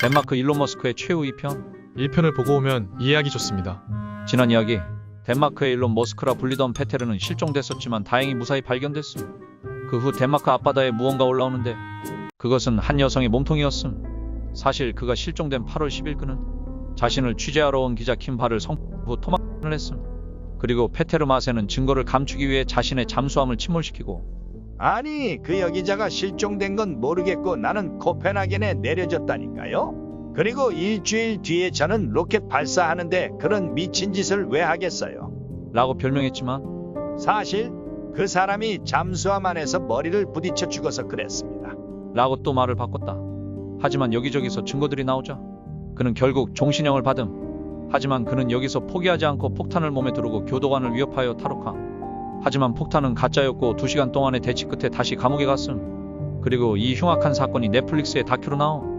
덴마크 일론 머스크의 최후 2편. 1편을 보고 오면 이해하기 좋습니다. 지난 이야기. 덴마크의 일론 머스크라 불리던 페테르는 실종됐었지만 다행히 무사히 발견됐음. 그 후 덴마크 앞바다에 무언가 올라오는데 그것은 한 여성의 몸통이었음. 사실 그가 실종된 8월 10일 그는 자신을 취재하러 온 기자 킴바를 성후 토막을 했음. 그리고 페테르 마세는 증거를 감추기 위해 자신의 잠수함을 침몰시키고 아니, 그 여기자가 실종된 건 모르겠고 나는 코펜하겐에 내려졌다니까요. 그리고 일주일 뒤에 저는 로켓 발사하는데 그런 미친 짓을 왜 하겠어요? 라고 별명했지만 사실 그 사람이 잠수함 안에서 머리를 부딪혀 죽어서 그랬습니다. 라고 또 말을 바꿨다. 하지만 여기저기서 증거들이 나오자 그는 결국 종신형을 받음. 하지만 그는 여기서 포기하지 않고 폭탄을 몸에 두르고 교도관을 위협하여 탈옥함. 하지만 폭탄은 가짜였고 2시간 동안의 대치 끝에 다시 감옥에 갔음. 그리고 이 흉악한 사건이 넷플릭스의 다큐로 나옴.